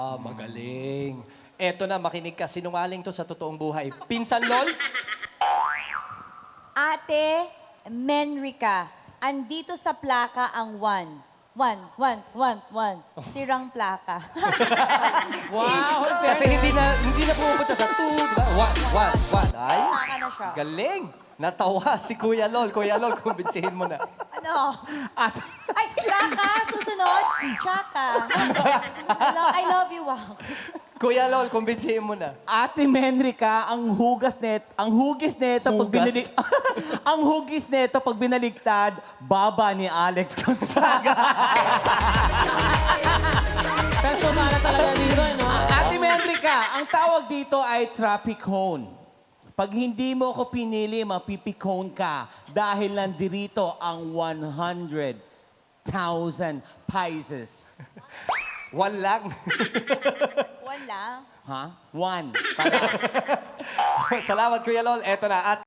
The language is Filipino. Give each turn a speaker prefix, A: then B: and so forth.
A: Magaling. Eto na, makinig ka. Sinungaling to sa totoong buhay. Pinsan, Lol?
B: Ate Menrica, andito sa plaka ang 1. 1. Sirang plaka.
A: Kasi hindi na pumupunta sa 2, diba? 1. Ay,
B: Plaka na siya.
A: galing. Natawa si Kuya Lol. Kuya Lol, kumbinsihin mo na.
B: Ano?
A: At,
B: Ay, plaka! Susunod, tsaka. I love you, wow.
A: Kuya Lol, kumbinsihin mo na.
C: Ate Menrica, ang hugis neto pag
A: Hugas?
C: ang hugis neto pag binaligtad, baba ni Alex Gonzaga.
D: Personal talaga dito, no?
C: Ate Menrica, ang tawag dito ay traffic cone. Pag hindi mo ako pinili, mapipicone ka dahil nandirito ang 100,000 pesos.
A: 1 lang.
B: Wala.
C: Ha? 1.
A: Salamat, Kuya Lol. Eto na. At